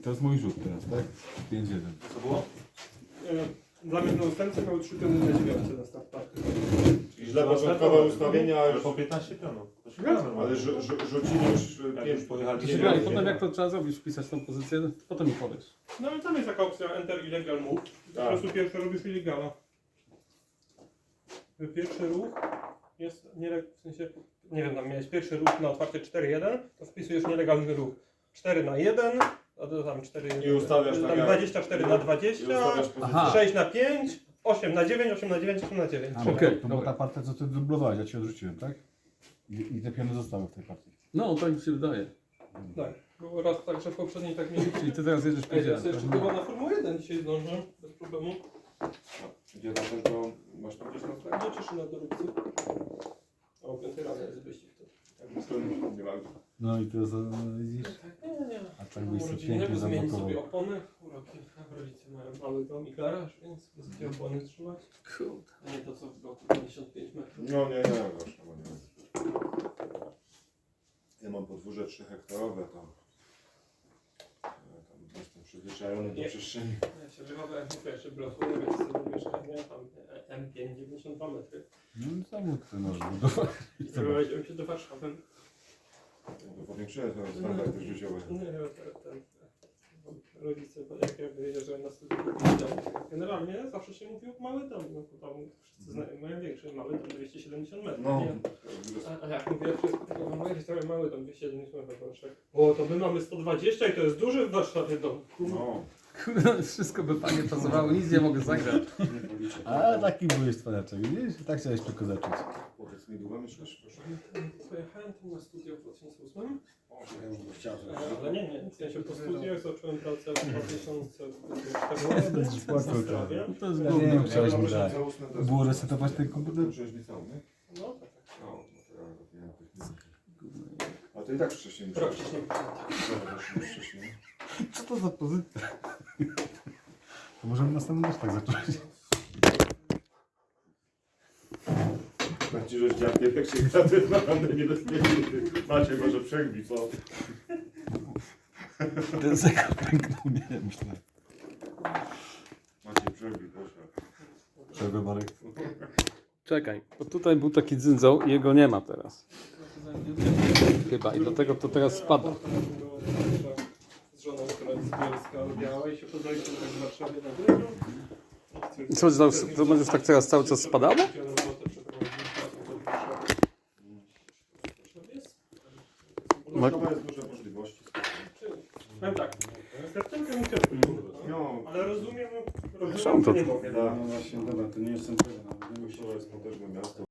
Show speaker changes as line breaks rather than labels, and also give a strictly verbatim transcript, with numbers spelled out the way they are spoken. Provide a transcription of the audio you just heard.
to jest mój rzut teraz, tak? pięć jeden.
Co było?
Dla mnie na ustępce miały trzy piony na dziewiątce na start party.
Źle początkowe ustawienia,
Ale
już,
po piętnaście pionów. To się
No,
zgadza,
ale rzu, rzu, rzucili już
Jak
pięć.
już pojechali
To
się
się
grali,
grali, potem jak to trzeba zrobić, wpisać tą pozycję, potem mi powiesz.
No ale tam jest taka opcja Enter Illegal Move. Po
Tak.
prostu pierwszy robisz illegala. Pierwszy ruch jest nie, w sensie, nie wiem, tam miałeś pierwszy ruch na otwarcie cztery jeden, to wpisujesz nielegalny ruch. cztery na jeden, a to tam cztery,
I ustawiasz tak
tam
jak-
dwadzieścia cztery na
I
dwadzieścia,
ustawiasz
Aha.
pozycję.
sześć na pięć, osiem na dziewięć, osiem na dziewięć, osiem na dziewięć.
A,
Trzy.
okej,
To była ta partia, co ty dublowałeś, ja ci odrzuciłem, tak? I, i te piony zostały w tej partii.
No, tak mi się wydaje.
Tak, było raz tak, że w poprzedniej tak mieli.
Czyli ty teraz jedziesz
Ej,
pięć
teraz
jeden.
jeszcze chyba na Formułę jeden dzisiaj zdążę, bez problemu.
Gdzie na też go masz tam gdzieś na tle?
Gdzie cieszy na dorobcy? A o piątej rano jest wyścig to.
Nie ma.
No i teraz e, widzisz?
Nie, nie, nie.
A tak byś sobie
Rodzinnego
pięknie
zmienić
zablokował.
sobie opony. Uroki. Rodzice mają mały dom i garaż, więc sobie opony trzymać.
Kurde.
A nie to co w bloku pięćdziesiąt pięć metrów.
No nie, nie, właśnie, bo nie. Ja mam podwórze trzydhektarowe, to ja tam jestem przyzwyczajony do
Nie.
przestrzeni.
Ja się wychowałem w pierwszym bloku, więc sobie mieszkanie, tam M pięć, dziewięćdziesiąt dwa metry.
No i samochód ty możesz budować.
I prowadziłem się do Warszawy.
To powiększyłem swoje standardy życiowe.
Nie, ten, ten, rodzice, jak ja wyjeżdżałem na studia, generalnie zawsze się mówiło mały dom, no to tam wszyscy znają, mają większy, mały dom dwieście siedemdziesiąt metrów,
No.
nie? A, a jak mówię, wszystko, to moje historie mały dom dwieście siedemdziesiąt metrów, Warszawie. O, to my mamy sto dwadzieścia i to jest duży w Warszawie dom.
No.
Kurde, wszystko by fajnie pasowało, nic nie mogę zagrać.
Nie policzę.
A taki byłeś cwaniaczek, widzisz? Tak chciałeś tylko zacząć.
Powiedz mi, długo mieszkasz, proszę?
Pojechałem tu na studia w dwa tysiące ósmym,
O, ja już bym chciał.
e, ale nie, nie, w sensie po studiach zacząłem pracę w dwa tysiące
Będziesz
czternastym w
płakał,
Warszawie.
To jest
Ja
gówno.
wiem, chciałeś mi dać.
Było
Było resetować ten komputer?
Przecież liceum, nie?
No tak, tak.
No, no to ja robiłem technikę. A to i tak wcześniej
Rok
musiałeś.
wcześniej.
Dobra, wcześniej, wcześniej.
Co to za pozycja? To możemy następny też tak zacząć.
Tak ci, że dziadkiem, jak się gra, to jest naprawdę niebezpieczny. Macie może przegbi, co?
Ten zegar pęknął, nie myślę.
Macie przegbi, proszę.
Przerwę, Marek.
Czekaj, bo tutaj był taki dzyndzał i jego nie ma teraz. Chyba i dlatego to teraz spada.
Z żoną, która jest z Bielska, lubiała i się poznaliśmy tak w Warszawie na wyżu.
I co, to, to będziesz tak teraz cały czas spadało?
Warszawa jest duże możliwości.
Powiem tak, kartynkę mi ciężko nie uda,
No,
ale rozumiem,
Są
rozumiem,
to-
że nie mogę.
tak.
No właśnie, dobra, to nie jestem pewien.
Warszawa jest potężne miasto.